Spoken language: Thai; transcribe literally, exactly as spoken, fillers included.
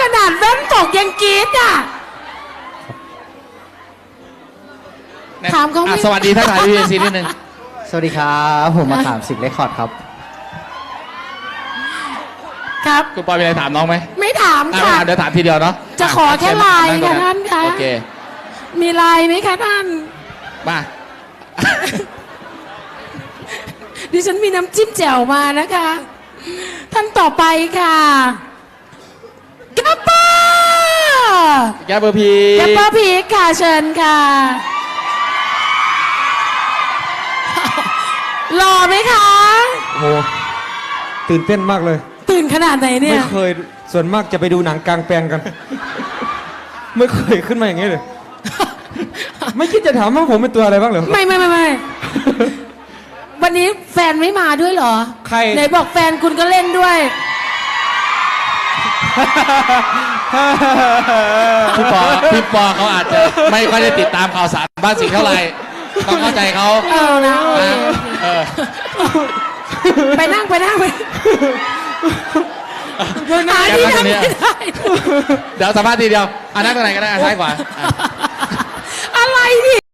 นาดแว่นตกยังกรี๊ดอ่ะถามเขาไม่อ่ะสวัสดีท่านถ่ายวีเอซีนิดนึงสวัสดีครับผมมาถามสิบเรคคอร์ดครับครับคุณปอยมีอะไรถามน้องไหมไม่ถามอ่ะค่ะเดี๋ยวถามทีเดียวเนาะจะขอแค่ไลน์งตรงค่ะท่านคะโอเคมีไลน์ไหมคะท่านมาดิฉันมีน้ำจิ้มแจ่วมานะคะ ท่านต่อไปค่ะแกปเปอร์แกเบอร์พีแกปเปอร์พีคค่ะเชิญค่ะหล่อไหมคะโหตื่นเต้นมากเลยตื่นขนาดไหนเนี่ไม่ยเคยส่วนมากจะไปดูหนังกลางแปลงกัน ไม่เคยขึ้นมาอย่างนี้เลย ไม่คิดจะถามว่าผมเป็นตัวอะไรบ้างเหรอไม่ไม่ไม่ไม่ วันนี้แฟนไม่มาด้วยเหรอใครไหนบอกแฟนคุณก็เล่นด้วยพี่ปอพี่ปอเขาอาจจะไม่ค่อยได้ติดตามข่าวสารบ้านสิงห์เท่าไหร่ต้องเข้าใจเขาเออนะโอเคนะเออไปนั่งไปนั่งไปหาที่นั่งไม่ได้เดี๋ยวสัมภาษณ์ทีเดียวอ่ะนั่งตรงไหนก็ได้อ่ะซ้ายขวาอ่ะอะไรนี่